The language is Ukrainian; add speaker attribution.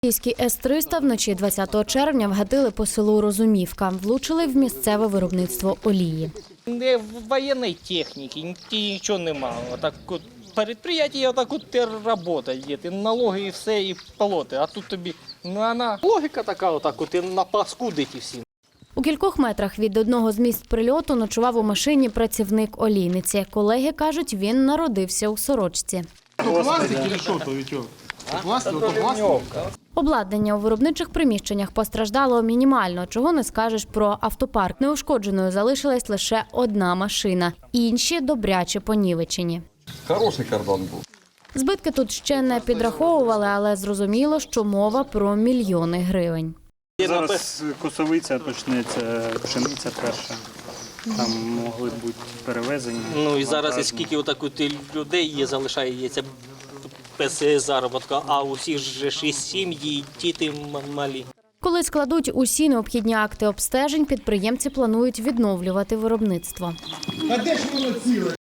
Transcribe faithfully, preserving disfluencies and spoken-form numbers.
Speaker 1: Російські С триста вночі двадцятого червня вгатили по селу Розумівка. Влучили в місцеве виробництво олії.
Speaker 2: Не воєнної техніки, нічого немає. Отак от підприємство отак от працює, і налоги, і все, і полоти. А тут тобі на логіка така, отак от і напаскудить і всі.
Speaker 1: У кількох метрах від одного з місць прильоту ночував у машині працівник олійниці. Колеги кажуть, він народився у сорочці. Обладнання у виробничих приміщеннях постраждало мінімально, чого не скажеш про автопарк. Неушкодженою залишилась лише одна машина, інші добряче понівечені.
Speaker 3: Хороший кордон був.
Speaker 1: Збитки тут ще не підраховували, але зрозуміло, що мова про мільйони гривень.
Speaker 4: Зараз косовиця почнеться, пшениця перша. Там могли бути перевезені.
Speaker 2: Ну і зараз і скільки отак от людей є, залишається без заробітку, а у всіх же ж і сім'ї, і діти малі.
Speaker 1: Коли складуть усі необхідні акти обстежень, підприємці планують відновлювати виробництво.
Speaker 5: А де ж воно ціле?